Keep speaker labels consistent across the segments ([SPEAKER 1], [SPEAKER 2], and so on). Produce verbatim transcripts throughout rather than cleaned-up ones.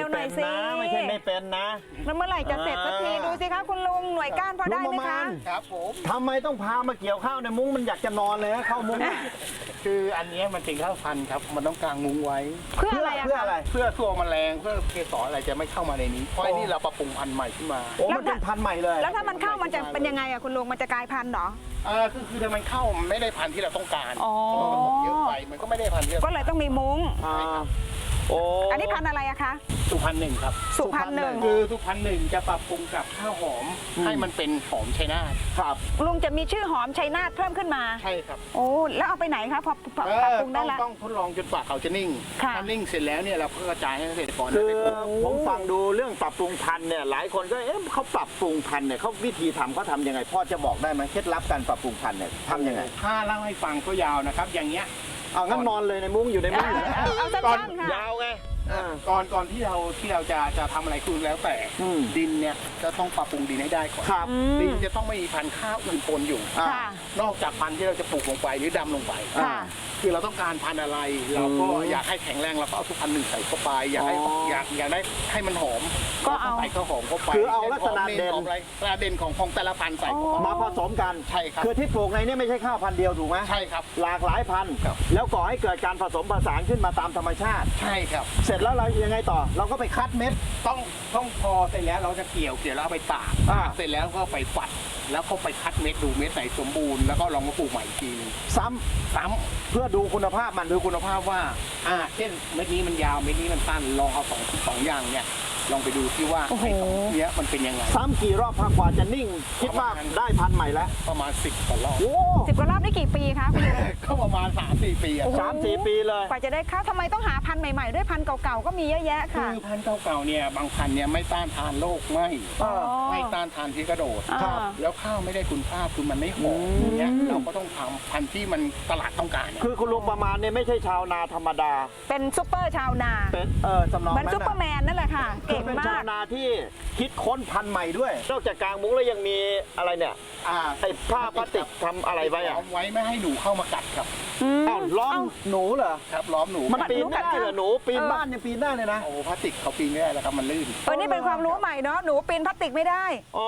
[SPEAKER 1] วๆหน่อยสิ
[SPEAKER 2] ไม่ใช่ไม่เป็นนะ
[SPEAKER 1] แล้วเมื่อไหร่จะเสร็จสักทีดูสิคะคุณลุงหน่วยก้านพอได้ไหมคะ
[SPEAKER 3] ครับผม
[SPEAKER 2] ทำไมต้องพามาเกี่ยวข้าวในมุ้งมันอยากจะนอนเลยฮะเข้ามุ้ง
[SPEAKER 3] คืออันนี้มันเป็นข้าวพันธุ์ครับมันต้องกางมุ้งไว้
[SPEAKER 1] เพื่ออะไรอะ
[SPEAKER 2] เพื่ออะไร
[SPEAKER 3] เพื่อตัวแมลงเพื่อเกสรอะไรจะไม่เข้ามาในนี้เพราะไอ้นี่เราปรับปรุงพันธุ์ใหม่ขึ้นมา
[SPEAKER 2] โอ้มันเป็นพันธุ์ใหม่เลย
[SPEAKER 1] แล้วถ้ามันเข้ามันจะเป็นยังไงอะคุณลุงมันจะกลายพันธุ์เหรอ
[SPEAKER 3] อ่าคือคือถ้ามันเข้ามันไม่ได้พันธุ์ที่เราต้องการ
[SPEAKER 1] อ๋อ
[SPEAKER 3] เยอะไปมันก็ไม่ได้พันธุ์ที่
[SPEAKER 1] ก็เลยต้องมีมุ้ง
[SPEAKER 2] โอ้
[SPEAKER 1] อันนี้พันธุ์อะไรอะคะ
[SPEAKER 3] สุพรรณหนึ่งครับ
[SPEAKER 1] สุพรรณหนึ่ง
[SPEAKER 3] คือสุพรรณหนึ่งจะปรับปรุงกับข้าวหอมให้มันเป็นหอมชัยนาท
[SPEAKER 2] ครับ
[SPEAKER 1] ลุงจะมีชื่อหอมชัยนาทเพิ่มขึ้นมา
[SPEAKER 3] ใช่ครับ
[SPEAKER 1] โอ้แล้วเอาไปไหนคะพอปรับปรุงได้แล้ว
[SPEAKER 3] ต้องทดลองจนกว่าเขาจะนิ่งถ้านิ่งเสร็จแล้วเนี่ยเราก็กระจายให้เกษตรกร
[SPEAKER 2] คือผมฟังดูเรื่องปรับปรุงพันธุ์เนี่ยหลายคนก็เอ๊ะเขาปรับปรุงพันธุ์เนี่ยเขาวิธีทำเขาทำยังไงพ่อจะบอกได้ไหมเคล็ดลับการปรับปรุงพันธุ์เนี่ยทำยังไง
[SPEAKER 3] ถ้าเล่าให้ฟังก็ยาวนะครับอย่างเงี้ย
[SPEAKER 2] เอางั้นนอนเลยในมุ้งอยู่ในมุ้ง
[SPEAKER 1] เอาสั้นๆค่ะ
[SPEAKER 2] ยาวไง
[SPEAKER 3] ก่อนก่อนที่เราที่เราจะจะทำอะไรคือแล้วแต่ดินเนี่ยจะต้องปรับปรุงดินให้ได้ก่อนดินจะต้องไม่มีพันธุ์ข้าวอื่นปนอยู่นอกจากพันธุ์ที่เราจะปลูกลงไปหรือดำลงไปคือเราต้องการพันธุ์อะไรเราก็อยากให้แข็งแรงเราก็เอาทุกพันธุ์หนึ่งใส่เข้าไปอยากให้อยากอยากได้ให้มันหอม
[SPEAKER 1] ก็เอา
[SPEAKER 3] ใส่ข้าวหอมเข้าไป
[SPEAKER 2] คือเอาลักษณะเด่น
[SPEAKER 3] อะไรลักษณะเด่นของของแต่ละพันธุ์ใส่
[SPEAKER 2] มาผสมกัน
[SPEAKER 3] ใช่ครับ
[SPEAKER 2] คือที่ปลูกในนี้ไม่ใช่ข้าวพันธุ์เดียวถูกไหม
[SPEAKER 3] ใช่ครับ
[SPEAKER 2] หลากหลายพันธุ์แล้วก่อให้เกิดการผสมผสานขึ้นมาตามธรรมชาติ
[SPEAKER 3] ใช่ครับ
[SPEAKER 2] เสร็จแล้วเรายังไงต่อเราก็ไปคัดเม็ด
[SPEAKER 3] ต้องต้องพอเสร็จแล้วเราจะเกี่ยวเกี่ยวแล้วเอาไปตากเสร็จแล้วก็ไปฝัดแล้วก็ไปคัดเม็ดดูเม็ดไหนสมบูรณ์แล้วก็ลองมาปลูกใหม่อีกทีนึง
[SPEAKER 2] ซ้ำ
[SPEAKER 3] ซ้ำเพื่อดูคุณภาพมันดูคุณภาพว่าอ่าเช่นเม็ดนี้มันยาวเม็ดนี้มันสั้นลองเอาสองสองอย่างเนี่ยลองไปดูที่ว่าไอ้สองเนี้ยมันเป็นยังไง
[SPEAKER 2] ซ้ำกี่รอบพักกว่าจะนิ่งคิดว่าได้พันใหม่แล้ว
[SPEAKER 3] ประมาณสิบกว่ารอบ
[SPEAKER 2] โอ้
[SPEAKER 1] สิบกว่ารอบนี่กี่ปีคะคุณลุง
[SPEAKER 3] ก็ประมาณสามสี่ปี
[SPEAKER 2] สามสี่ปีเลย
[SPEAKER 1] กว่าจะได้ข้าวทำไมต้องหาพันธุ์ใหม่ๆด้วยพันธุ์เก่าๆก็มีเยอะแยะค่ะ
[SPEAKER 3] คือพันธุ์เก่าๆเนี่ยบางพันธุ์เนี่ยไม่ต้านทานโรคไม่ไม่ต้านทานที่กระโดดแล้วข้าวไม่ได้คุณภาพคือมันไม่หอมอย่างเงี้ยเราก็ต้องทำพันธุ์ที่มันตลาดต้องการ
[SPEAKER 2] คือคุณลุงประมาณเนี่ยไม่ใช่ชาวนาธรรมดา
[SPEAKER 1] เป็นซุปเปอร์ชาวนา
[SPEAKER 2] เป็นเออสำนอง
[SPEAKER 1] เหมือนซุปเปอร์แมนนั่นแหละค่ะเก่งมาก
[SPEAKER 2] เป็นชาวนาที่คิดค้นพันธุ์ใหม่ด้วยนอกจากกางมุ้งแล้วยังมีอะไรเนี่ยไอ้ผ้าพลาสติกทำอะไรไว้อะ
[SPEAKER 3] ล้อมไว้ไม่ให้หนูเข้ามากัดครับ
[SPEAKER 2] อ้าวล้อมหนูเหรอ
[SPEAKER 3] ครับล้อมหนู
[SPEAKER 2] มันปีนได้เหรอหนูปีนบ้านยังปีนได้เลยนะ
[SPEAKER 3] โอ้พลาสติกเขาปีนไม่ได้แล้วครับมันลื่น
[SPEAKER 1] เออนี่เป็นความรู้ใหม่เนาะหนูปีนพลาสติกไม่ได้
[SPEAKER 2] อ๋อ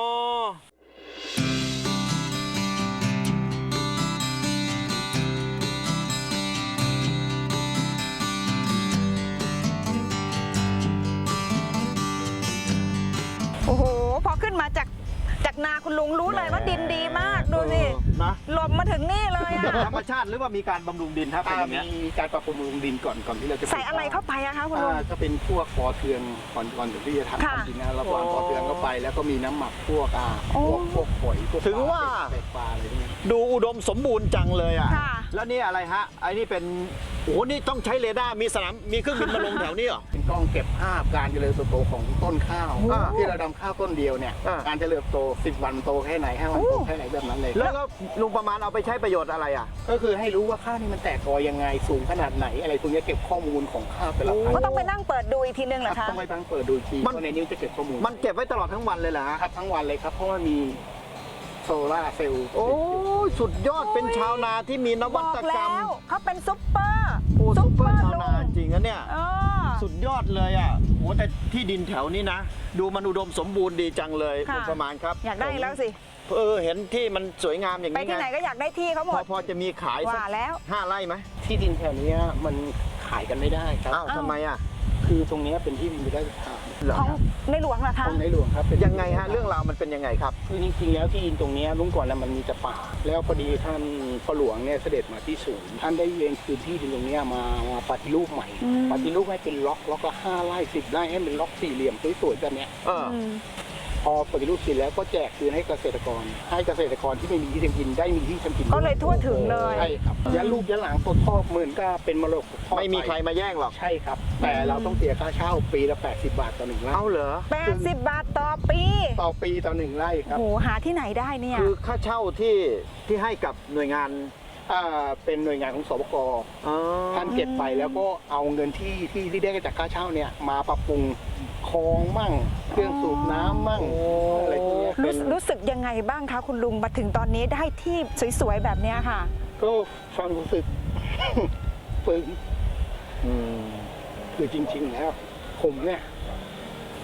[SPEAKER 1] โอ้โหพอขึ้นมาจากจากนาคุณลุงรู้เลยว่าดินดีมากดูสิ
[SPEAKER 2] นะ
[SPEAKER 1] หลบมาถึงนี่เลยอะ
[SPEAKER 2] ธรรมชาติหรือว่ามีการบำรุงดินครับเป็นอย่างนี้
[SPEAKER 3] มีการปรับปรุงดินก่อนก่อนที่เราจะ
[SPEAKER 1] ใส่อะไรเข้าไปอะคะคุณลุง
[SPEAKER 3] ก็เป็นพวกปอเทืองก่อนก่อนที่จะทำดินนะเราปอนปอเทืองเข้าไปแล้วก็มีน้ำหมักพวกอ่าพวกพวกหอยพวก
[SPEAKER 2] ถึงว่า
[SPEAKER 3] เป็ดปลาอะไรพวกนี้
[SPEAKER 2] ดูอุดมสมบูรณ์จังเลยอ่ะแล้วนี่อะไรฮะไอ้นี่เป็นโอ้โหนี่ต้องใช้เรดาร์มีสนามมีเครื่องบินมาลงแถวนี้เหรอ
[SPEAKER 3] เป็นกล้องเก็บภาพการเจริญเติบโตของต้นข้าวที่เราดำข้าวต้นเดียวเนี่ยการเจริญโตสิบวันโตแค่ไหนห้าวันโตแค่ไหนแบบนั้นเลย
[SPEAKER 2] แล้วก็ลุงประมาณเอาไปใช้ประโยชน์อะไรอ่ะ
[SPEAKER 3] ก็คือให้รู้ว่าข้าวนี่มันแตกกอยังไงสูงขนาดไหนอะไรพวกนี้เก็บข้อมูลของข้าวแต่ละพันธุ์
[SPEAKER 1] ก็ต้องไปนั่งเปิดดูอีกทีนึงเหรอคะ
[SPEAKER 3] ต้องไปนั่งเปิดดูทีเพราะในนี้จะเก็บข้อมูล
[SPEAKER 2] มันเก็บไว้ตลอดทั้งวันเลยเหรอ
[SPEAKER 3] ครับทั้งวันเลยครับเพราะว่ามีโซล่าเซลล์
[SPEAKER 2] โอ้สุดยอดเป็นชาวนาที่มีนวัตกรรม
[SPEAKER 1] เขาเป็นซุปเปอร์
[SPEAKER 2] โอ้ซุปเปอร์ชาวนาจริงนะเนี่ยสุดยอดเลยอ่ะโอ้แต่ที่ดินแถวนี้นะดูมันอุดมสมบูรณ์ดีจังเลยคุณประมาณครับ
[SPEAKER 1] อยากได้แล้วสิ
[SPEAKER 2] เออเห็นที่มันสวยงามอย่างนี้
[SPEAKER 1] ไปที่ไหนก็อยากได้ที่เขาหมด
[SPEAKER 2] พอจะมีขายสักห้าไร่ไหม
[SPEAKER 3] ที่ดินแถวนี้มันขายกันไม่ได้ครับ
[SPEAKER 2] อ้าวทำไมอ่ะ
[SPEAKER 3] คือตรงนี้เป็นที่ดินไม่ได้ทาง
[SPEAKER 1] ของในหลวงเหรอคะ
[SPEAKER 3] ของในหลวงครับ
[SPEAKER 2] ยังไงฮะเรื่องราวมันเป็นยังไงครับ
[SPEAKER 3] คือจริงๆแล้วที่ดินตรงนี้ลุงก่อนแล้วมันมีแต่ป่าแล้วพอดีท่านพ่อหลวงเนี่ยเสด็จมาที่ศูนย์ท่านได้เวียนคืนที่ดินตรงนี้มามาปฏิรูปใหม่ปฏิรูปให้เป็นล็อกล็อกละห้าไร่สิบไร่ให้เป็นล็อกสี่เหลี่ยมสวยๆแบบนี้พอปฏิรูปเสร็จแล้วก็แจกคืนให้เกษตรกรให้เกษตรกรที่ไม่มีที่ทำกินได้มีที่ทำกิน
[SPEAKER 1] ก็เลยทั่วถึงเลย
[SPEAKER 3] ใช่ครับยันลูกยันหลานต้นพ่อหมื่นก็เป็นมรดก
[SPEAKER 2] ไม่มีใครมาแย่งหรอก
[SPEAKER 3] ใช่ครับแต่เราต้องเสียค่าเช่าปีละแปดสิบบาทต่อหนึ่งไร่
[SPEAKER 2] เอาเหรอ
[SPEAKER 1] แปดสิบบาทต่อปี
[SPEAKER 3] ต่อปีต่อหนึ่งไร่ครับ
[SPEAKER 1] โอ้หาที่ไหนได้เนี่ย
[SPEAKER 2] คือค่าเช่าที่ที่ให้กับหน่วยงาน
[SPEAKER 3] อ่าเป็นหน่วยงานของสปก.ท่านเก็บไปแล้วก็เอาเงินที่ที่ที่ได้จากค่าเช่าเนี่ยมาปรับปรุงคลองมั่งเครื่องสูบน้ำมั่งอะไรพวกนี้
[SPEAKER 1] รู้สึกยังไงบ้างคะคุณลุงมาถึงตอนนี้ได้ที่สวยๆแบบนี้ค่ะ
[SPEAKER 3] ก็ฟังรู้สึกปึงคือจริงๆแล้วผมเนี่ย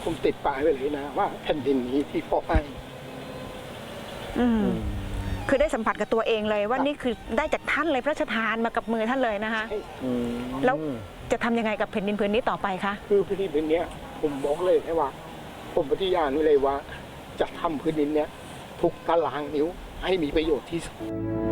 [SPEAKER 3] ผมติดป้ายไว้เลยนะว่าแผ่นดินนี้ที่พ่อให้
[SPEAKER 1] อืมคือได้สัมผัสกับตัวเองเลยว่านี่คือได้จากท่านเลยพระราชทานมากับมือท่านเลยนะคะ
[SPEAKER 2] อืม
[SPEAKER 1] แล้วจะทำยังไงกับแผ่นดินผืนนี้ต่อไปคะ
[SPEAKER 3] คือพื้นดินพื้นเนี้ยผมบอกเลยแค่ว่า ผมปฏิญาณไว้เลยว่าจะทำพื้นดินเนี้ยทุกตารางนิ้วให้มีประโยชน์ที่สุด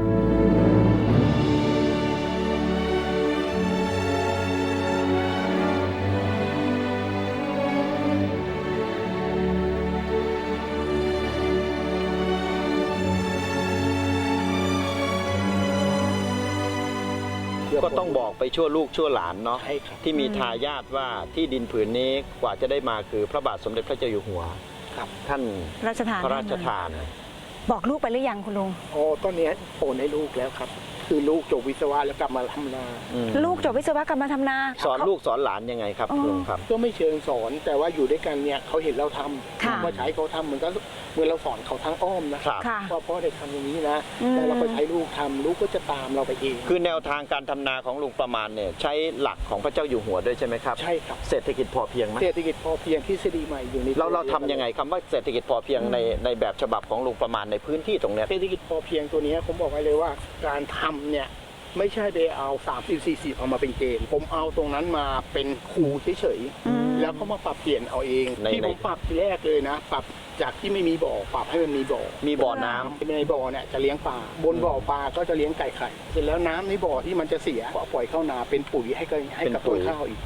[SPEAKER 2] ก็ต้องบอกไปชั่วลูกชั่วหลานเนาะ
[SPEAKER 3] ใช่ครับ
[SPEAKER 2] ที่มีทายาทว่าที่ดินผืนนี้กว่าจะได้มาคือพระบาทสมเด็จพระเจ้าอยู่หัว
[SPEAKER 3] ครับ
[SPEAKER 2] ท่าน
[SPEAKER 1] ราชทาน
[SPEAKER 2] พระราชทาน
[SPEAKER 1] บอกลูกไปหรือยังคุณลุง
[SPEAKER 3] อ๋อตอนเนี้ยโอนให้ลูกแล้วครับ คือลูกจบวิศวะแล้วกลับมาทำนา
[SPEAKER 2] อืม
[SPEAKER 1] ลูกจบวิศวกรรมทำนา
[SPEAKER 2] สอนลูกสอนหลานยังไงครับ
[SPEAKER 1] อ๋อ
[SPEAKER 2] ลุงครับ
[SPEAKER 3] ก็ไม่เชิงสอนแต่ว่าอยู่ด้วยกันเนี่ยเขาเห็นเราท
[SPEAKER 1] ค่ะ
[SPEAKER 3] ำว่าใช้เขาทำเหมือนก็เหมือนเราสอนเขาทางอ้อมนะครับ
[SPEAKER 1] ค่ะ
[SPEAKER 3] ว่าพ่อได้ทำอย่างนี้นะ
[SPEAKER 1] อืม
[SPEAKER 3] แล้วเราก็ใช้ลูกทำลูกก็จะตามเราไปเอง
[SPEAKER 2] คือแนวทางการทำนาของลุงประมาณเนี่ยใช้หลักของพระเจ้าอยู่หัวด้วยใช่ไหมครับ
[SPEAKER 3] ใช่ครับ
[SPEAKER 2] เศรษฐกิจพอเพียงไหม
[SPEAKER 3] เศรษฐกิจพอเพียงทฤษฎีใหม่อยู่ใน
[SPEAKER 2] เราเราทำยังไงคำว่าเศรษฐกิจพอเพียงในในแบบฉบับของลุงประมาณในพื้นที่ตรงเนี้ย
[SPEAKER 3] เศรษฐกิจพอเพียงตัวเนี้ยผมบอกไว้เลยว่าการทำเนี่ยไม่ใช่ไปเอาสามสิบสี่สิบเอามาเป็นเกณฑ์ผมเอาตรงนั้นมาเป็นครูเฉย
[SPEAKER 1] อืม
[SPEAKER 3] ๆแล้วก็มาปรับเปลี่ยนเอาเอง
[SPEAKER 2] ใน
[SPEAKER 3] ที่
[SPEAKER 2] ใน
[SPEAKER 3] ผมปรับทีแรกเลยนะ ปรับจากที่ไม่มีบ่อปรับให้มันมีบ่อ
[SPEAKER 2] มีบ่อน้ำ
[SPEAKER 3] ในบ่อเนี่ยจะเลี้ยงปลาบนบ่อปลาก็จะเลี้ยงไก่ไข่เสร็จแล้วน้ำในบ่อที่มันจะเสียก็ปล่อยเข้านาเป็นปุ๋ยให้กับให้กับต้นข้าวอีก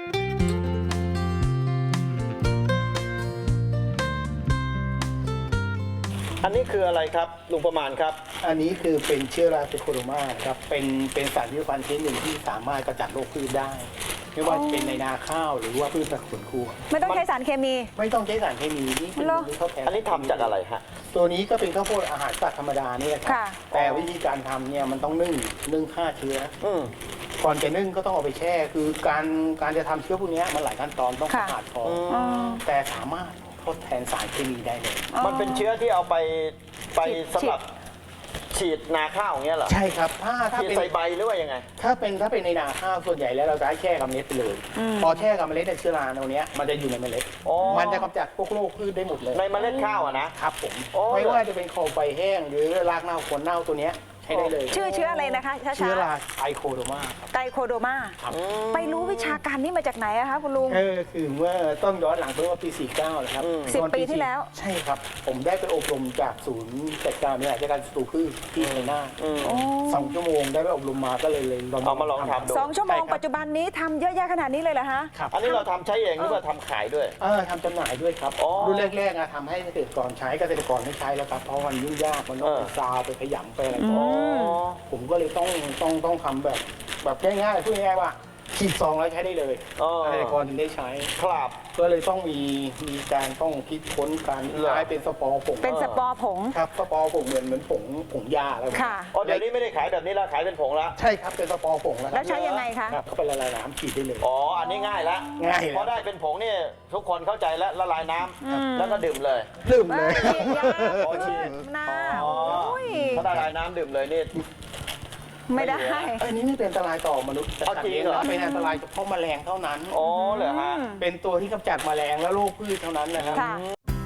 [SPEAKER 2] อันนี้คืออะไรครับลุงประมาณครับ
[SPEAKER 3] อันนี้คือเป็นเชื้อราเซโคโรมาครับเป็นเป็นสารพิษพันธุ์ชนิดหนึ่งที่สามารถกำจัดโรคพืชได้ ไม่ว่าจะเป็นในนาข้าวหรือว่าพืชผักสวนครัว
[SPEAKER 1] ไม่ต้องใช้สารเคมี
[SPEAKER 3] ไม่ต้องใช้สารเคมีนี่เป็น
[SPEAKER 1] เหรอ
[SPEAKER 3] ข้าวแทน
[SPEAKER 2] อันนี้ทำจากอะไรฮะ
[SPEAKER 3] ตัวนี้ก็เป็นข้าวโพดอาหารสัตว์ธรรมดาเนี่ยครั
[SPEAKER 1] ค่ะ
[SPEAKER 3] แต่วิธีการทำเนี่ยมันต้องนึ่งนึ่งฆ่าเชื้อ
[SPEAKER 2] อืม
[SPEAKER 3] ก่อนจะนึ่งก็ต้องเอาไปแช่ คือการการจะทำเชื้อพวกเนี้ยมันหลายขั้นตอนต้อง
[SPEAKER 1] ค่ะ
[SPEAKER 3] สะอาดพอ
[SPEAKER 1] อ๋อ
[SPEAKER 3] แต่สามารถทดแทนสารเคมีได้เลย
[SPEAKER 2] มันเป็นเชื้อที่เอาไปไป
[SPEAKER 1] ฉีด
[SPEAKER 2] สำหรับฉีดนาข้าวอย่างเงี้ยเหรอ
[SPEAKER 3] ใช่ครับ ถ้าถ้า
[SPEAKER 2] ฉีด
[SPEAKER 3] เป็น
[SPEAKER 2] ใส่ใบหรือว่ายังไง
[SPEAKER 3] ถ้าเป็นถ้าเป็นในนาข้าวส่วนใหญ่แล้วเราจะให้แช่กับเมล็ดไปเลย
[SPEAKER 1] อืม
[SPEAKER 3] พอแช่กับเมล็ดในยเชื้อราตัวเนี้ยมันจะอยู่ในเมล็ด
[SPEAKER 2] อ๋อ
[SPEAKER 3] มันจะกำจัดพวกโรคพืชได้หมดเลย
[SPEAKER 2] ในเมล็ดข้าวอะนะ
[SPEAKER 3] ครับผม
[SPEAKER 2] โอ้
[SPEAKER 3] ไม่ว่าจะเป็นคอใบแห้งหรือรากเน่าขนเน่าตัวเนี้ยใช้ได้เลย
[SPEAKER 1] ชื่อเชื้ออะไรนะคะช้า
[SPEAKER 3] เชื้อราไอโคโดมาครับ
[SPEAKER 1] ๆไกโคโดมา
[SPEAKER 3] ครับ
[SPEAKER 1] ไปรู้วิชาการนี้มาจากไหนอะคะคุณลุง
[SPEAKER 3] เออคือเมื่อต้องย้อนหลังไปว่าปี สี่สิบเก้านะครับ
[SPEAKER 2] อืม
[SPEAKER 1] สิบ
[SPEAKER 3] ตอน
[SPEAKER 1] ปีที่แล้ว
[SPEAKER 3] ใช่ครับ ผมได้ไปอบรมจากศูนย์จัดการบริหารจัดการศัตรูพืชที่ชัยนาท
[SPEAKER 2] อืม
[SPEAKER 1] โอ้
[SPEAKER 3] สองชั่วโมงได้ไปอบรมมาก็เลยเลย
[SPEAKER 2] เอามาลองทำดู
[SPEAKER 1] สองชั่วโมง
[SPEAKER 3] ใครับ
[SPEAKER 1] ปัจจุบันนี้ทำเยอะแยะขนาดนี้เลยเหรอฮะ
[SPEAKER 3] ครับ
[SPEAKER 2] อันนี้เราทำใช้เองหรือว่าทำขายด้วย
[SPEAKER 3] เออทำจำหน่ายด้วยครับ
[SPEAKER 2] อ๋อ
[SPEAKER 3] รุ่นแรกๆอะทำให้เกษตรกรใช้เกษตรกรไม่ใช้แล้วครับเพราะมันยุ่งยากมันต้อง
[SPEAKER 2] เออ
[SPEAKER 3] ไปซาวไปขยำไปอะไร
[SPEAKER 1] อื
[SPEAKER 3] ต่อ
[SPEAKER 1] ม
[SPEAKER 2] อ๋อ
[SPEAKER 3] ผมก็เลยต้องต้องต้องทำแบบแบบง่ายๆพูดง่ายๆว่าฉีดซองแล้วใช้ได้เลย
[SPEAKER 2] อ๋อ
[SPEAKER 3] เกษตรกรถึงได้ใช้
[SPEAKER 2] ครับ
[SPEAKER 3] ก็เลยต้องมีมีการต้องคิดค้นการ
[SPEAKER 2] เหรอ
[SPEAKER 3] ใช้เป็นสปอร์ผง
[SPEAKER 1] เป็นสปอร์ผง
[SPEAKER 3] ครับสปอร์ผงเหมือนเหมือนผงผงยาอะไรแบบนี้
[SPEAKER 1] ค่ะ
[SPEAKER 2] อ๋อเดี๋ยวนี้ไม่ได้ขายแบบนี้แล้วขายเป็นผงแล้ว
[SPEAKER 3] ใช่ครับเป็นสปอร์ผงแล้วค
[SPEAKER 1] แล้
[SPEAKER 3] รั
[SPEAKER 1] วใช้ยังไงคะ
[SPEAKER 3] ครับเข้าไปละลายน้ำฉีดได้เลย
[SPEAKER 2] อ๋อ อันนี้ง่ายแล้ว
[SPEAKER 3] ง่ายแล้ว
[SPEAKER 2] พอได้เป็นผงนี่ทุกคนเข้าใจแล้วละลายน้ำ
[SPEAKER 1] อืม
[SPEAKER 2] แล้วก็ดื่มเลย
[SPEAKER 3] ลืม
[SPEAKER 1] เอ
[SPEAKER 3] เล
[SPEAKER 1] อย ฉีดยา
[SPEAKER 2] อ๋อฉีด
[SPEAKER 1] น้
[SPEAKER 2] อ๋อ
[SPEAKER 1] ำโอ้ย
[SPEAKER 2] ถ้าละลายน้ำดื่มเลยนี่
[SPEAKER 1] ไม่ได้
[SPEAKER 3] อันนี้ไม่เป็นอันตรายต่อมนุษย์แต่
[SPEAKER 2] เอาจริงเหรอ
[SPEAKER 3] เป็นอันตรายเฉพาะแมลงเท่านั้น
[SPEAKER 2] อ๋อเหรอฮะ
[SPEAKER 3] เป็นตัวที่กำจัดแมลงและโรคพืชเท่านั้นนะครับ
[SPEAKER 1] ค่ะ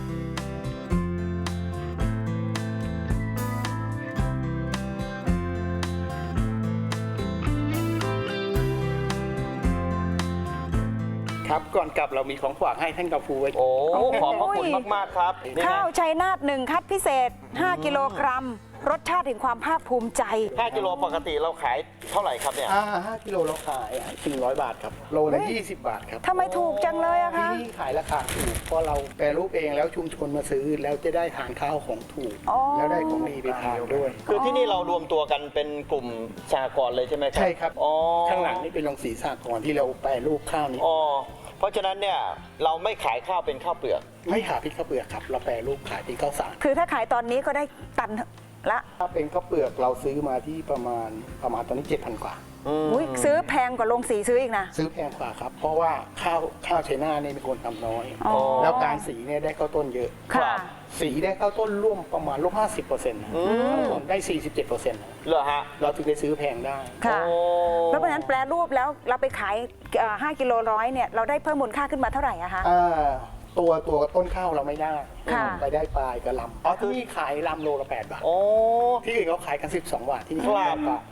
[SPEAKER 3] ครับก่อนกลับเรามีของฝากให้ท่านกาฟูไว้
[SPEAKER 2] โอ้ ขอบพระคุณมาก ๆ ครับนี่
[SPEAKER 1] ข้าว
[SPEAKER 2] นะ
[SPEAKER 1] ชัยนาทหนึ่งคัดพิเศษ ห้า กิโลกรัม รสชาติแห่งความภาคภูมิใจ
[SPEAKER 2] ห้ากิโลปกติเราขายเท่าไหร่ครับเนี่ย
[SPEAKER 3] อ่าห้ากิโลเราขายสี่ร้อยบาทครับ โลละยี่สิบบาทครับ
[SPEAKER 1] ทำไมถูกจังเลยอะ
[SPEAKER 3] ที่
[SPEAKER 1] คะ
[SPEAKER 3] นี่ขายราคาถูกเพราะเราแปรรูปเองแล้วชุมชนมาซื้อแล้วจะได้ทานข้าวของถูก
[SPEAKER 1] อ๋อ
[SPEAKER 3] แล้วได้ของดีไปทานด้วย
[SPEAKER 2] คือที่นี่เรารวมตัวกันเป็นกลุ่มสหกรณ์เลยใช่ไหมครับ
[SPEAKER 3] ใช่ครับ
[SPEAKER 2] อ๋อ
[SPEAKER 3] ข้างหลังนี่เป็นโรงสีสากรณ์ที่เราแปรรูปข้าวนี้
[SPEAKER 2] อ๋อ เพราะฉะนั้นเนี่ยเราไม่ขายข้าวเป็นข้าวเปลือก
[SPEAKER 3] ไม่ขายพริกข้าวเปลือกครับ เราแปรรูปขายเป็นข้าวสาร
[SPEAKER 1] คือถ้าขายตอนนี้ก็ได้ตันละ
[SPEAKER 3] ถ้าเป็นข้าวเปลือกเราซื้อมาที่ประมาณประมาณตอนนี้เจ็ดพันกว่า
[SPEAKER 1] อุ้ยซื้อแพงกว่าโรงสีซื้ออีกนะ
[SPEAKER 3] ซื้อแพงกว่าครับ เพราะว่าข้าวข้าวไชน่าเนี่ยเป็นคนทำน้อย
[SPEAKER 1] อ๋อ
[SPEAKER 3] แล้วการสีเนี่ยได้ข้าวต้นเยอะ
[SPEAKER 1] ค่ะ
[SPEAKER 3] สีได้ข้าวต้นร่วมประมาณร่วมห้าสิบเปอร์เซ็นต์ได้สี่สิบเจ็ดเปอร์เซ็นต์
[SPEAKER 2] เหรอฮะ
[SPEAKER 3] เราถึงได้ซื้อแพงได้
[SPEAKER 1] ค่ะ
[SPEAKER 2] โอ้
[SPEAKER 1] แล้วเพราะฉะนั้นแปลรูปแล้วเราไปขายเอ่อห้ากิโลร้อยเนี่ยเราได้เพิ่มมูลค่าขึ้นมาเท่าไหร่อะคะ
[SPEAKER 3] อ่าตัวตัวต้นข้าวเราไม่ได้
[SPEAKER 1] ค่ะ
[SPEAKER 3] ไปได้ปลายกับลำอ๋อที่นี่ขายลำโลละแปดบาท
[SPEAKER 2] โอ้
[SPEAKER 3] ที่อื่นเขาขายกันสิบสองบาทที่นี่
[SPEAKER 2] ครับ
[SPEAKER 3] แปดบาท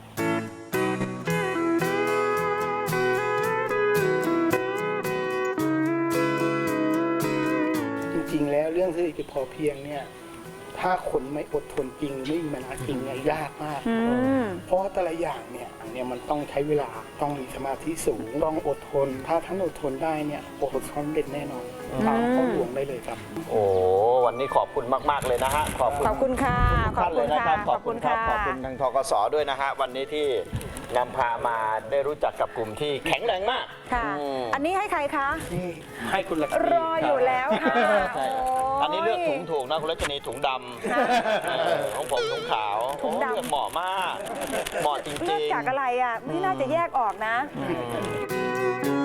[SPEAKER 3] จริงๆแล้วเรื่องเศรษฐกิจพอเพียงเนี่ยถ้าคนไม่อดทนจริงไม่มีปัญหาจริงเนี่ยยากมาก
[SPEAKER 1] อืม
[SPEAKER 3] เพราะว่าแต่ละอย่างเนี่ยเนี่ยมันต้องใช้เวลาต้องมีสมาธิสูงต้องอดทน ถ้าท่านอดทนได้เนี่ยประสบความสำเร็จแน่นอนตามพ่อหลวงได้เลยครับ
[SPEAKER 2] โอ้วันนี้ขอบคุณมาก ๆ เลยนะฮะ ขอบคุณ
[SPEAKER 1] ขอบคุณค่ะ
[SPEAKER 2] ทุกท่านเลยนะครับ
[SPEAKER 1] ขอบคุณค่ะ
[SPEAKER 2] ขอบคุณทางทกสด้วยนะฮะ วันนี้ที่นำพามาได้รู้จักกับกลุ่มที่แข็งแรงมาก
[SPEAKER 1] ค่ะ
[SPEAKER 2] อืม
[SPEAKER 1] อันนี้ให้ใครคะ
[SPEAKER 3] นี่ให้คุณลักษ
[SPEAKER 1] ร
[SPEAKER 3] ณี
[SPEAKER 1] ออยู่แล้วค่ะ
[SPEAKER 2] ใช่
[SPEAKER 1] โย
[SPEAKER 2] อันนี้เลือกถุงถูกนะคุณรัชนีถุงดำเออของผมถุงขาว
[SPEAKER 1] ถุงดำ
[SPEAKER 2] โอ้เลือกเหมาะมาก เหมาะจริงๆ
[SPEAKER 1] เลือกจากอะไรอ่ะ ไม่น่าจะแยกออกนะ
[SPEAKER 2] อืม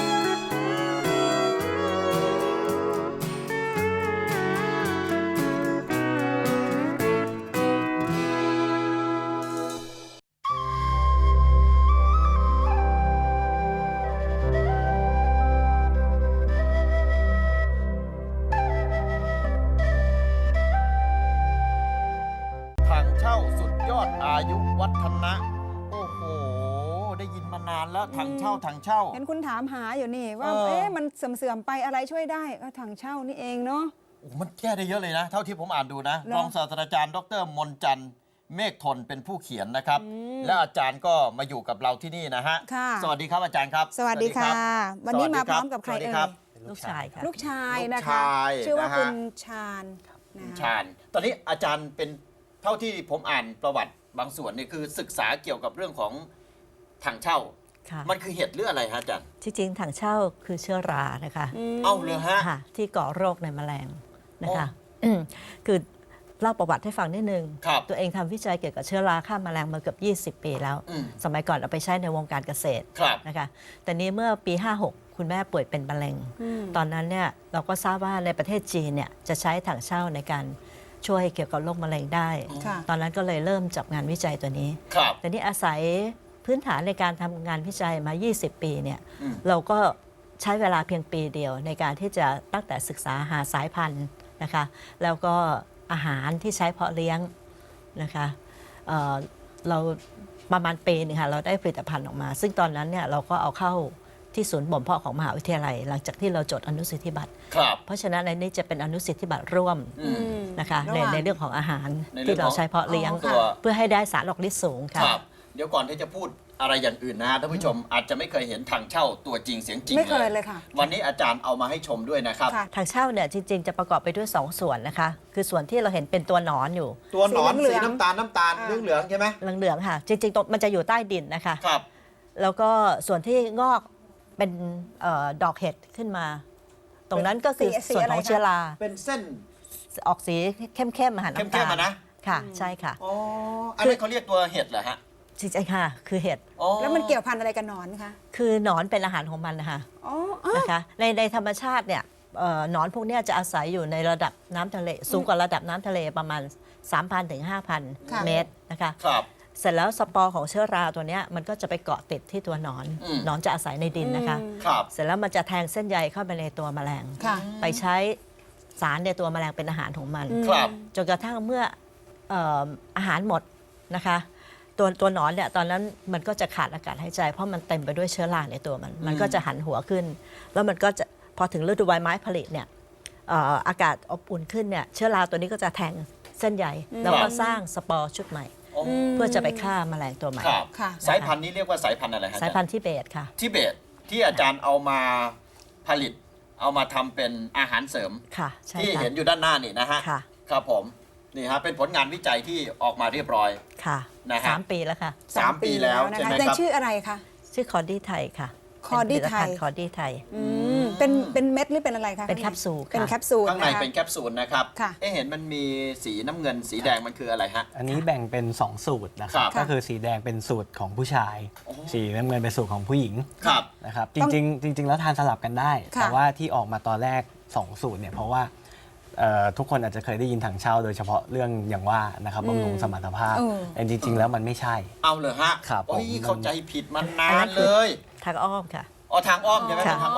[SPEAKER 2] ทางเช่าสุดยอดอายุวัฒนะ โอ้โห ได้ยินมานานแล้วทางเช่าทางเช่า
[SPEAKER 4] เห็นคุณถามหาอยู่นี่ว่า
[SPEAKER 2] เออ
[SPEAKER 4] เอ๊ะมันเสื่อมๆไปอะไรช่วยได้ก็ถังเช่านี่เองเนาะ
[SPEAKER 2] โอ้มันแก้ได้เยอะเลยนะ เท่าที่ผมอ่านดูนะ
[SPEAKER 4] เหรอ
[SPEAKER 2] รองศาสตราจารย์ดรมนจันทร์เมฆทนเป็นผู้เขียนนะครับ
[SPEAKER 4] อืม
[SPEAKER 2] และอาจารย์ก็มาอยู่กับเราที่นี่นะฮะ
[SPEAKER 4] ค่ะ
[SPEAKER 2] สวัสดีครับอาจารย์ครับ
[SPEAKER 4] สวัสดีค่ะ วันนี้มาพร้อมกับใคร
[SPEAKER 2] สวัสดี
[SPEAKER 4] เอ่
[SPEAKER 2] ครั
[SPEAKER 4] ย
[SPEAKER 2] บ
[SPEAKER 5] ลูกชายค่ะ
[SPEAKER 4] ลูกชายนะ
[SPEAKER 2] ลูก
[SPEAKER 4] คะ
[SPEAKER 2] ชาย
[SPEAKER 4] ชื่อว่า
[SPEAKER 2] นะฮะ
[SPEAKER 4] คุณชาญนะคะ
[SPEAKER 2] ชาญ ตอนนี้อาจารย์เป็นเท่าที่ผมอ่านประวัติบางส่วนเนี่ยคือศึกษาเกี่ยวกับเรื่องของถังเช่า
[SPEAKER 5] ค่ะ
[SPEAKER 2] มันคือเห็ดหรืออะไรฮะอาจารย์
[SPEAKER 5] ที่จริงถังเช่าคือเชื้อรานะคะ
[SPEAKER 2] เอ้าเลยฮะ
[SPEAKER 5] ค่ะที่ก่อโรคในแมลงนะคะอืมคือเล่าประวัติให้ฟังนิดนึง
[SPEAKER 2] ครับ
[SPEAKER 5] ตัวเองทำวิจัยเกี่ยวกับเชื้อราฆ่าแมลงมาเกือบยี่สิบ ปีแล้ว
[SPEAKER 2] อืม
[SPEAKER 5] สมัยก่อนเอาไปใช้ในวงการเกษตร
[SPEAKER 2] ครับ
[SPEAKER 5] นะคะแต่นี้เมื่อปี ห้าหก คุณแม่ป่วยเป็นมะเร็ง ตอนนั้นเนี่ยเราก็ทราบว่าในประเทศจีนเนี่ยจะใช้ถังเช่าในการช่วยเกี่ยวกับโรคมะเร็งได้
[SPEAKER 4] ค่ะ
[SPEAKER 5] ตอนนั้นก็เลยเริ่มจับงานวิจัยตัวนี้
[SPEAKER 2] ครับ
[SPEAKER 5] แต่นี่อาศัยพื้นฐานในการทำงานวิจัยมา ยี่สิบ ปีเนี่ย
[SPEAKER 2] อืม
[SPEAKER 5] เราก็ใช้เวลาเพียงปีเดียวในการที่จะตั้งแต่ศึกษาหาสายพันธุ์นะคะ แล้วก็อาหารที่ใช้เพาะเลี้ยงนะคะเอ่อเราประมาณปีหนึงค่ะเราได้ผลิตภัณฑ์ออกมา ซึ่งตอนนั้นเนี่ยเราก็เอาเข้าที่ศูนย์บ่มเพาะของมหาวิทยาลัย หลังจากที่เราจดอนุสิทธิบัตร
[SPEAKER 2] ครับ
[SPEAKER 5] เพราะฉะนั้นในนี้จะเป็นอนุสิทธิบัตรร่วม
[SPEAKER 2] อืม
[SPEAKER 5] นะคะใน
[SPEAKER 4] ระหว่าง
[SPEAKER 5] ในเรื่องของอาหาร
[SPEAKER 2] ในเรื่
[SPEAKER 5] ที่
[SPEAKER 2] อง
[SPEAKER 5] เรา
[SPEAKER 2] ของ
[SPEAKER 5] ใช้เพาะเลี้ยง
[SPEAKER 2] ตัว
[SPEAKER 5] เพื่อให้ได้สารออกฤทธิ์สูง
[SPEAKER 2] ค
[SPEAKER 5] ค่ะ
[SPEAKER 2] รับ เดี๋ยวก่อนที่จะพูดอะไรอย่างอื่นนะฮะท่านผู้ชมอาจจะไม่เคยเห็นถังเช่าตัวจริงเสียงจริง
[SPEAKER 4] ไม่เคยเลยค่ะ
[SPEAKER 2] วันนี้อาจารย์เอามาให้ชมด้วยนะครับ
[SPEAKER 4] ค่ะ
[SPEAKER 5] ถังเช่าเนี่ยจริงๆ จะประกอบไปด้วย สอง ส่วนนะคะ คือส่วนที่เราเห็นเป็นตัวหนอนอยู่
[SPEAKER 2] ตัวหนอน
[SPEAKER 4] สีเหลื
[SPEAKER 2] สี
[SPEAKER 4] อง
[SPEAKER 2] น้ำตาลน้ำตาล
[SPEAKER 4] อ่า
[SPEAKER 2] เหลืองเหลืองๆใช่ไหม
[SPEAKER 5] เหลืองๆค่ะ จริงๆตรงมันจะอยู่ใต้ดินนะคะ
[SPEAKER 2] ครับ
[SPEAKER 5] แล้วก็ส่วนที่งอกเป็นเออดอกเห็ดขึ้นมา ตรงนั้นก็คือ
[SPEAKER 4] สีสี
[SPEAKER 5] ส่วน
[SPEAKER 4] อะไร
[SPEAKER 5] ของ
[SPEAKER 4] คะ
[SPEAKER 5] เชื้อรา
[SPEAKER 2] เป็นเส้น
[SPEAKER 5] ออกสีเข้มๆมาหาน้ำ
[SPEAKER 2] เข้
[SPEAKER 5] ตาม
[SPEAKER 2] ๆ
[SPEAKER 5] ล
[SPEAKER 2] อะนะ
[SPEAKER 5] ค่ะ ใช่ค่ะ
[SPEAKER 2] อ๋ออันนี้เขาเรียกตัวเห็ดเหรอฮะ
[SPEAKER 5] จริงๆค่ะ คือเห็ด
[SPEAKER 2] อ๋อ
[SPEAKER 4] แล้วมันเกี่ยวพันอะไรกับหนอนคะ
[SPEAKER 5] คือหนอนเป็นอาหารของมันนะคะ
[SPEAKER 4] อ๋ออ๋อ
[SPEAKER 5] นะคะในในธรรมชาติเนี่ยเอ่อหนอนพวกเนี้ยจะอาศัยอยู่ในระดับน้ำทะเล สูงกว่าระดับน้ำทะเลประมาณ สามพัน ถึง ห้าพัน
[SPEAKER 4] ค่ะ
[SPEAKER 5] เมตรนะคะ
[SPEAKER 2] ครับ
[SPEAKER 5] เสร็จแล้วสปอร์ของเชื้อราตัวเนี้ยมันก็จะไปเกาะติดที่ตัวหนอน
[SPEAKER 2] อืม
[SPEAKER 5] หนอนจะอาศัยในดินนะคะ
[SPEAKER 4] อืม
[SPEAKER 2] ครับ
[SPEAKER 5] เสร็จแล้วมันจะแทงเส้นใยเข้าไปในตัวแมลง
[SPEAKER 4] ค่ะ
[SPEAKER 5] ไปใช้สารในตัวแมลงเป็นอาหารของมัน
[SPEAKER 4] อืม
[SPEAKER 2] ครับ
[SPEAKER 5] จนกระทั่งเมื่อเอ่ออาหารหมดนะคะ ตัวตัวหนอนเนี่ยตอนนั้นมันก็จะขาดอากาศหายใจ เพราะมันเต็มไปด้วยเชื้อราในตัวมัน มันก็จะหันหัวขึ้น แล้วมันก็จะพอถึงฤดูใบไม้ผลิเนี่ยเอ่ออากาศอบอุ่นขึ้นเนี่ยเชื้อราตัวนี้ก็จะแทงเส้นใยแล้วก็สร้างสปอร์ชุดใหม่
[SPEAKER 2] อ๋อ
[SPEAKER 5] เพื่อจะไปฆ่าแมลงตัวใหม่
[SPEAKER 2] ครับ
[SPEAKER 4] ค่ะ
[SPEAKER 2] สายพันธุ์นี้เรียกว่าสายพันธุ์อะไรฮะ
[SPEAKER 5] สายพันธุ์ทิเบตค่ะ
[SPEAKER 2] ทิเบตที่อาจารย์เอามาผลิต เอามาทำเป็นอาหารเสริม
[SPEAKER 5] ค่ะใช่
[SPEAKER 2] ที่
[SPEAKER 5] ค่ะ
[SPEAKER 2] เห็นอยู่ด้านหน้านี่นะฮะ
[SPEAKER 5] ค่ะ
[SPEAKER 2] ครับผม นี่ฮะ เป็นผลงานวิจัยที่ออกมาเรียบร้อย
[SPEAKER 5] ค่ะ
[SPEAKER 2] นะฮะ
[SPEAKER 5] สามปีแล้วค่ะ
[SPEAKER 2] สามปีแล้ว
[SPEAKER 4] นะ
[SPEAKER 2] ใช่ไหม
[SPEAKER 4] คะใน
[SPEAKER 2] ครับ
[SPEAKER 4] ชื่ออะไรคะ
[SPEAKER 5] ชื่อคอร์ดี้ไทยค่ะ
[SPEAKER 4] คอร์ดี้ไทย
[SPEAKER 5] เป็นผลิตภัณฑ์คอร์ดี้ไทย
[SPEAKER 4] อืมเป็นเป็นเม็ดหรือเป็นอะไรคะ
[SPEAKER 5] เป็นแคปซูลค่ะ
[SPEAKER 4] เป็นแคปซูล
[SPEAKER 2] ข้างใน
[SPEAKER 4] นะคะ
[SPEAKER 2] เป็นแคปซูลนะครับ
[SPEAKER 4] ค่ะ
[SPEAKER 2] เอ๊ะเห็นมันมีสีน้ำเงินสีแดงมันคืออะไรฮะ
[SPEAKER 6] อันนี้แบ่งเป็น สอง สูตรนะครั
[SPEAKER 2] ครับ บ
[SPEAKER 6] ก็คือสีแดงเป็นสูตรของผู้ชาย
[SPEAKER 2] โอ้
[SPEAKER 6] สีน้ำเงินเป็นสูตรของผู้หญิง
[SPEAKER 2] ครับ
[SPEAKER 6] นะครับจ
[SPEAKER 4] ต้อง
[SPEAKER 6] ริงๆจริง ๆ แล้วทานสลับกันได้
[SPEAKER 4] ค่ะ
[SPEAKER 6] แต่ว่าที่ออกมาตอนแรก สอง สูตรเนี่ยเพราะว่าเอ่อทุกคนอาจจะเคยได้ยินถังเช่าโดยเฉพาะเรื่องอย่างว่านะครับบำรุงสมรรถภาพ
[SPEAKER 4] เออ
[SPEAKER 6] แต่จริง ๆ แล้วมันไม่ใช่
[SPEAKER 2] เอาเลยฮะ
[SPEAKER 6] ครับ
[SPEAKER 2] โอ้ย
[SPEAKER 6] ผม
[SPEAKER 2] เข้าใจผิดมาน
[SPEAKER 5] อัน
[SPEAKER 2] า
[SPEAKER 5] นั้น นคือ
[SPEAKER 2] เลย
[SPEAKER 5] ทางอ้อมค่ะ
[SPEAKER 2] อ๋อทางอ้อมใช่ไหม
[SPEAKER 5] ค่ะ
[SPEAKER 2] ทางอ้อม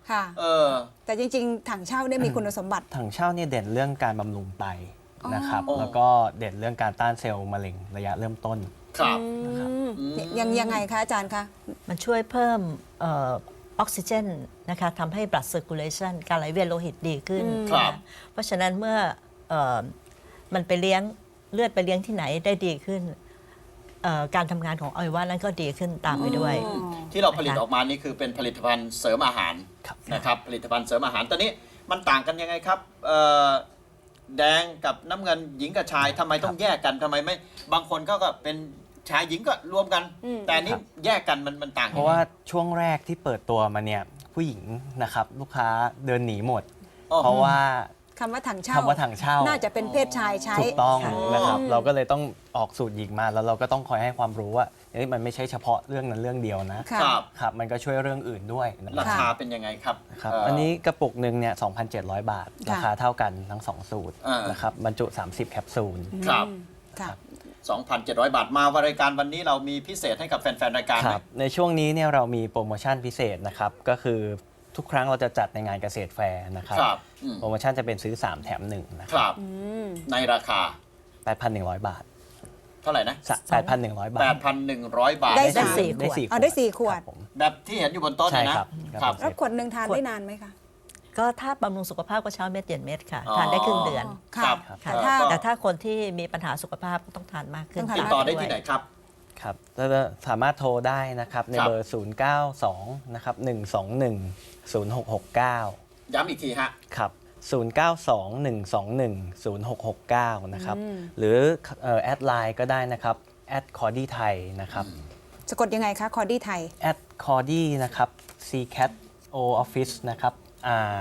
[SPEAKER 4] ค่ะ
[SPEAKER 2] เออ
[SPEAKER 4] แต่จริงๆ ถังเช่าเนี่ยมีคุณสมบัติ
[SPEAKER 6] ถังเช่าเนี่ยเด่นเรื่องการบำรุงไตนะครับ
[SPEAKER 2] อ๋อ
[SPEAKER 6] แล้วก็เด่นเรื่องการต้านเซลล์มะเร็งระยะเริ่มต้น
[SPEAKER 2] ครับ
[SPEAKER 4] อืมยังยังไงคะอาจารย์คะ
[SPEAKER 5] มันช่วยเพิ่มเออออกซิเจนนะคะทำให้ blood circulation การไหลเวียนโลหิตดีขึ้น
[SPEAKER 2] ครับ
[SPEAKER 5] นะเพราะฉะนั้นเมื่อเออมันไปเลี้ยงเลือดไปเลี้ยงที่ไหนได้ดีขึ้นเอ่อการทำงานของอวัยวะนั้นก็ดีขึ้นตามไปด้วย
[SPEAKER 2] ที่เราผลิตออกมานี่คือเป็นผลิตภัณฑ์เสริมอาหาร
[SPEAKER 6] ครับ
[SPEAKER 2] นะครับผลิตภัณฑ์เสริมอาหารตอนนี้มันต่างกันยังไงครับเอ่อแดงกับน้ำเงินหญิงกับชายทำไมต้องแยกกันทำไมไม่บางคนเขาก็เป็นชายหญิงก็รวมกัน แต่อันนี้แยกกันมันมันต่าง
[SPEAKER 6] เพราะว่าช่วงแรกที่เปิดตัวมาเนี่ยผู้หญิงนะครับลูกค้าเดินหนีหมด
[SPEAKER 2] อ๋อ
[SPEAKER 6] เพราะว่า
[SPEAKER 4] คำว่าถังเช่า
[SPEAKER 6] คำว่าถังเช่า
[SPEAKER 4] น่าจะเป็นเพศชายใช้
[SPEAKER 6] ถูกต้อง
[SPEAKER 5] ค่ะ
[SPEAKER 6] นะครับเราก็เลยต้องออกสูตรหญิงมาแล้วเราก็ต้องคอยให้ความรู้ว่าเอ้ยมันไม่ใช่เฉพาะเรื่องนั้นเรื่องเดียวนะ
[SPEAKER 4] ค่ะ
[SPEAKER 2] ครับ
[SPEAKER 6] ครับมันก็ช่วยเรื่องอื่นด้วยนะค
[SPEAKER 2] รา
[SPEAKER 6] รับ
[SPEAKER 2] คาเป็นยังไงครับ
[SPEAKER 6] ครับ
[SPEAKER 2] เ
[SPEAKER 6] อันนี้กระปุกหนึ่งเนี่ย สองพันเจ็ดร้อย บาท
[SPEAKER 4] ค่ะ
[SPEAKER 6] ราคาเท่ากันทั้งสองสูตร
[SPEAKER 2] อ่าน
[SPEAKER 6] นะครับบรรจุ สามสิบ แคปซูล
[SPEAKER 2] ครับ
[SPEAKER 4] ค่ะ
[SPEAKER 2] สองพันเจ็ดร้อย บาทมารายการวันนี้เรามีพิเศษให้กับแฟนๆรายการ
[SPEAKER 6] ค
[SPEAKER 2] ไหม
[SPEAKER 6] รับในช่วงนี้เนี่ยเรามีโปรโมชั่นพิเศษนะครับก็คือทุกครั้งเราจะจัดในงานเกษตรแฟร์นะครับ
[SPEAKER 2] ครับอืม
[SPEAKER 6] โปรโมชั่นจะเป็นซื้อ สาม แถม หนึ่ง นะค
[SPEAKER 2] ครับ รับในราคา
[SPEAKER 6] แปดพันหนึ่งร้อย บาท
[SPEAKER 2] เท่าไหร่นะ
[SPEAKER 6] แปดพันหนึ่งร้อย บาท
[SPEAKER 2] แปดพันหนึ่งร้อย บาท
[SPEAKER 4] ได้
[SPEAKER 5] ได้
[SPEAKER 4] สาม
[SPEAKER 5] สี่ข
[SPEAKER 6] ได้
[SPEAKER 5] วด
[SPEAKER 6] สี่
[SPEAKER 4] เอาได้สี่ขวด
[SPEAKER 6] ครับผม
[SPEAKER 2] แบบที่เห็นอยู่บนโต๊ะเนี่ยนะ
[SPEAKER 6] ใช่ครับ
[SPEAKER 2] ครับ
[SPEAKER 4] แล้วขวดหนึ่งทานได้นานไหมคะ
[SPEAKER 5] ก็ถ้าบำรุงสุขภาพก็เช้าเม็ดเย็นเม็ดค่ะ
[SPEAKER 2] อ๋อ
[SPEAKER 5] ทานได้ครึ่งเดือน
[SPEAKER 4] ค่ะ
[SPEAKER 2] ครับ
[SPEAKER 5] ค่ะ
[SPEAKER 2] เอ่อ
[SPEAKER 4] ถ้า
[SPEAKER 2] ก็
[SPEAKER 5] แต่ถ้าคนที่มีปัญหาสุขภาพก็ต้องทานมากขึ้น
[SPEAKER 4] ต้องทาน
[SPEAKER 2] ติดต่อได้ที่ไหนครับ
[SPEAKER 6] ครับแล้วก็สามารถโทรได้นะครับใน
[SPEAKER 2] ครับ
[SPEAKER 6] เบอร์ ศูนย์ เก้า สอง นะครับ หนึ่ง สอง หนึ่ง ศูนย์ หก หก เก้า
[SPEAKER 2] ย้ำอีกทีฮะ
[SPEAKER 6] ครับ ศูนย์ เก้า สอง หนึ่ง สอง หนึ่ง ศูนย์ หก หก เก้า นะครับ หรือเอ่อแอดไลน์ก็ได้นะครับแอดคอร์ดี้ไทยนะครับ
[SPEAKER 4] สะกดยังไงคะ คอร์ดี้ไทย
[SPEAKER 6] แอดคอร์ดี้นะครับ c c a t o office นะครับ r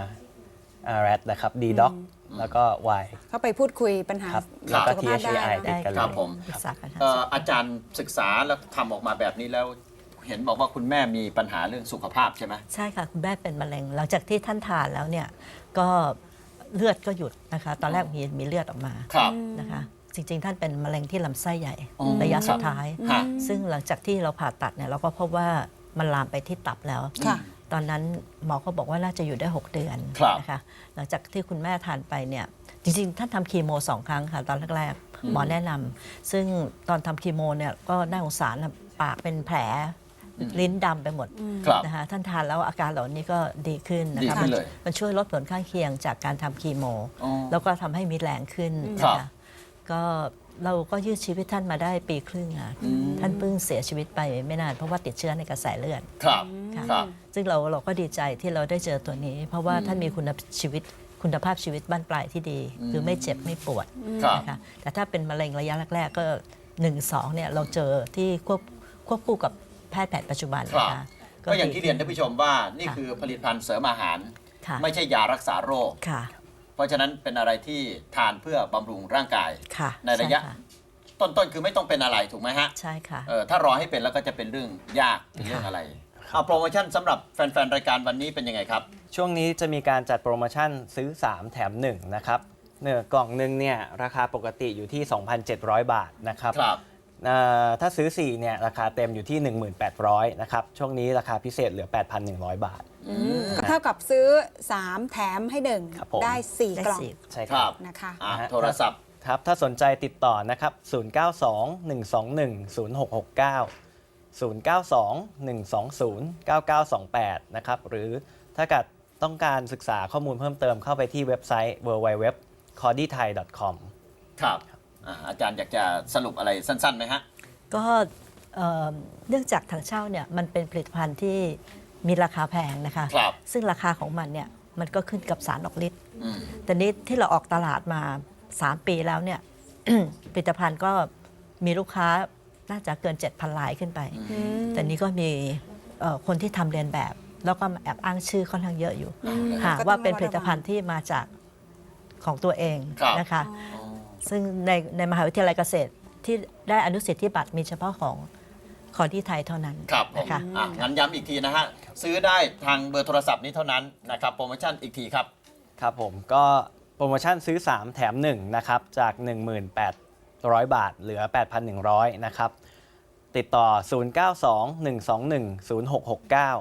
[SPEAKER 6] r a t นะครับ d doc แล้วก็ y
[SPEAKER 4] เข้าไปพูดคุยปัญหา
[SPEAKER 6] ครับ
[SPEAKER 4] สุ
[SPEAKER 6] แล้วก็
[SPEAKER 4] ขภาพ
[SPEAKER 6] t h a
[SPEAKER 4] ได้
[SPEAKER 6] i
[SPEAKER 4] เนอะ
[SPEAKER 6] ติดกันเล
[SPEAKER 2] ครั
[SPEAKER 6] ย
[SPEAKER 2] บผม
[SPEAKER 5] ปรึกษากันค่ะ
[SPEAKER 2] เอ่ออาจารย์ศึกษาแล้วทำออกมาแบบนี้แล้ว เห็นบอกว่าคุณแม่มีปัญหาเรื่องสุขภาพใช่ไหม
[SPEAKER 5] ใช่ค่ะ คุณแม่เป็นมะเร็ง หลังจากที่ท่านทานแล้วเนี่ยก็เลือดก็หยุดนะคะ ตอนแรกมีมีเลือดออกมา
[SPEAKER 2] ครับ
[SPEAKER 5] นะคะ จริง ๆ ท่านเป็นมะเร็งที่ลำไส้ใหญ่
[SPEAKER 2] อ๋อ
[SPEAKER 5] ระยะสุดท้าย
[SPEAKER 2] ฮะ
[SPEAKER 5] ซึ่งหลังจากที่เราผ่าตัดเนี่ยเราก็พบว่ามันลามไปที่ตับแล้ว
[SPEAKER 4] ค่ะ
[SPEAKER 5] ตอนนั้นหมอก็บอกว่าน่าจะอยู่ได้ หก เดือน
[SPEAKER 2] ครับ
[SPEAKER 5] นะคะ หลังจากที่คุณแม่ทานไปเนี่ยจริงๆท่านทำคีโมสองครั้งค่ะตอนแรกๆหมอแนะนำซึ่งตอนทำคีโมเนี่ยก็น่าสงสารนะปากเป็นแผลลิ้นดำไปหมด
[SPEAKER 2] ครับ
[SPEAKER 5] นะคะท่านทานแล้วอาการเหล่านี้ก็ดีขึ้นนะ
[SPEAKER 2] ดี
[SPEAKER 5] คะ
[SPEAKER 2] ขึ้นเลย
[SPEAKER 5] มันช่วยลดผลข้างเคียงจากการทำคีโม
[SPEAKER 2] อ๋อ
[SPEAKER 5] แล้วก็ทำให้มีแรงขึ้น
[SPEAKER 2] ครั
[SPEAKER 5] นะ
[SPEAKER 2] บ
[SPEAKER 5] คะก็เราก็ยืดชีวิตท่านมาได้ปีครึ่งอ่ะท่านเพิ่งเสียชีวิตไปไม่นานเพราะว่าติดเชื้อในกระแสเลือด
[SPEAKER 2] ครับ
[SPEAKER 5] ค่ะ
[SPEAKER 2] ครับ
[SPEAKER 5] ซึ่งเราเราก็ดีใจที่เราได้เจอตัวนี้ เพราะว่าท่านมีคุณชีวิตคุณภาพชีวิตบ้านปลายที่ดี คือไม่เจ็บไม่ปวด
[SPEAKER 2] ครับ
[SPEAKER 5] นะคะแต่ถ้าเป็นมะเร็งระยะแรกๆก็หนึ่งสองเนี่ยเราเจอที่ควบควบคู่กับแพทย์แผนปัจจุบัน
[SPEAKER 2] ครับ
[SPEAKER 5] นะคะ
[SPEAKER 2] ก็อย่างที่เรียนท่านผู้ชมว่านี่คือผลิตภัณฑ์เสริมอาหาร
[SPEAKER 5] ค่ะ
[SPEAKER 2] ไม่ใช่ยารักษาโรค
[SPEAKER 5] ค่ะ
[SPEAKER 2] เพราะฉะนั้นเป็นอะไรที่ทานเพื่อบำรุงร่างกาย
[SPEAKER 5] ค่ะ
[SPEAKER 2] ในระยะ
[SPEAKER 5] ใช่ค่
[SPEAKER 2] ต้นๆคือไม่ต้องเป็นอะไรถูกไหมฮะ
[SPEAKER 5] ใช่ค่ะ
[SPEAKER 2] เออถ้ารอให้เป็นแล้วก็จะเป็นเรื่องยากเป็นเรื่องอะไรเอาโปรโมชั่นสำหรับแฟนๆรายการวันนี้เป็นยังไงครับ
[SPEAKER 6] ช่วงนี้จะมีการจัดโปรโมชั่นซื้อ สาม แถม หนึ่ง นะครับเนื้อกล่องหนึ่งเนี่ยราคาปกติอยู่ที่ สองพันเจ็ดร้อย บาทนะครับ
[SPEAKER 2] ครับ
[SPEAKER 6] เอ่อถ้าซื้อ สี่ เนี่ยราคาเต็มอยู่ที่ หนึ่งพันแปดร้อย นะครับ ช่วงนี้ราคาพิเศษเหลือ แปดพันหนึ่งร้อย บาท
[SPEAKER 4] ก็เท่ากับซื้อ สาม แถมให้หนึ่ง
[SPEAKER 6] ครับผม
[SPEAKER 4] ได้สี่
[SPEAKER 5] ได้
[SPEAKER 4] กล่อง
[SPEAKER 5] สี่
[SPEAKER 6] ใช่
[SPEAKER 2] ค
[SPEAKER 6] ค
[SPEAKER 2] รั
[SPEAKER 6] รั
[SPEAKER 2] บบ
[SPEAKER 4] นะคะ
[SPEAKER 2] อ่ะ
[SPEAKER 6] นะฮะ
[SPEAKER 2] โทรศัพท์
[SPEAKER 6] ครับ ถ้าสนใจติดต่อนะครับ ศูนย์ เก้า สอง หนึ่ง สอง หนึ่ง ศูนย์ หก หก เก้า ศูนย์ เก้า สอง หนึ่ง สอง ศูนย์ เก้า เก้า สอง แปด นะครับ หรือถ้าเกิดต้องการศึกษาข้อมูลเพิ่มเติมเข้าไปที่เว็บไซต์ ดับเบิลยู ดับเบิลยู ดับเบิลยู ดอท คอร์ดี้ไทย ดอท คอม
[SPEAKER 2] ครับอ่ะอาจารย์อยากจะสรุปอะไรสั้นๆไหมฮะ
[SPEAKER 5] ก็เอ่อเนื่องจากถังเช่าเนี่ยมันเป็นผลิตภัณฑ์ที่มีราคาแพงนะคะ
[SPEAKER 2] ครับ
[SPEAKER 5] ซึ่งราคาของมันเนี่ยมันก็ขึ้นกับสารออกฤทธิ์
[SPEAKER 2] อืม
[SPEAKER 5] แต่นี้ที่เราออกตลาดมา สาม ปีแล้วเนี่ย ผลิตภัณฑ์ก็มีลูกค้าน่าจะเกิน เจ็ดพัน รายขึ้นไป แต่นี้ก็มีเอ่อคนที่ทำเรียนแบบ แล้วก็มาแอบอ้างชื่อค่อนข้างเยอะอยู่หากว่าเป็นผลิตภัณฑ์ที่มาจากของตัวเอง
[SPEAKER 2] ครับ
[SPEAKER 5] นะคะ ซึ่งในในมหาวิทยาลัยเกษตรที่ได้อนุสิทธิบัตรมีเฉพาะของขอที่ไทยเท่านั้น
[SPEAKER 2] ครับผม
[SPEAKER 5] นะคะ
[SPEAKER 2] อ่ะงั้นย้ำอีกทีนะฮะ ซื้อได้ทางเบอร์โทรศัพท์นี้เท่านั้นนะครับ โปรโมชั่นอีกทีครับ
[SPEAKER 6] ครับผมก็โปรโมชั่นซื้อ สาม แถม หนึ่ง นะครับ จาก หนึ่งพันแปดร้อย บาท เหลือ แปดพันหนึ่งร้อย นะครับ ติดต่อ ศูนย์ เก้า สอง หนึ่ง สอง หนึ่ง ศูนย์ หก หก เก้า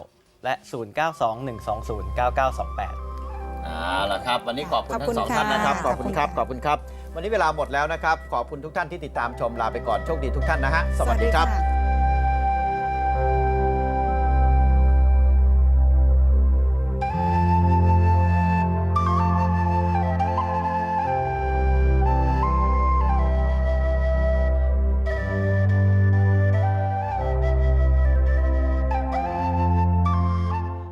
[SPEAKER 6] และ ศูนย์ เก้า สอง หนึ่ง สอง ศูนย์ เก้า เก้า สอง แปด
[SPEAKER 2] เอาละครับ วันนี้ขอบคุณ
[SPEAKER 4] ขอบ
[SPEAKER 2] ทั้
[SPEAKER 4] คุ
[SPEAKER 2] ง
[SPEAKER 4] ณ
[SPEAKER 2] สอง
[SPEAKER 4] ค่ะ
[SPEAKER 2] ท่านนะครับ ขอบคุณครับ
[SPEAKER 4] ข
[SPEAKER 2] ข
[SPEAKER 4] อ
[SPEAKER 2] อ
[SPEAKER 4] บบ คุ
[SPEAKER 2] คุณ
[SPEAKER 4] ณ
[SPEAKER 2] ครับ วันนี้เวลาหมดแล้วนะครับ ขอบคุณทุกท่านที่ติดตามชมลาไปก่อนโชคดีทุกท่านนะฮะ สวัสดีครับ
[SPEAKER 4] ะ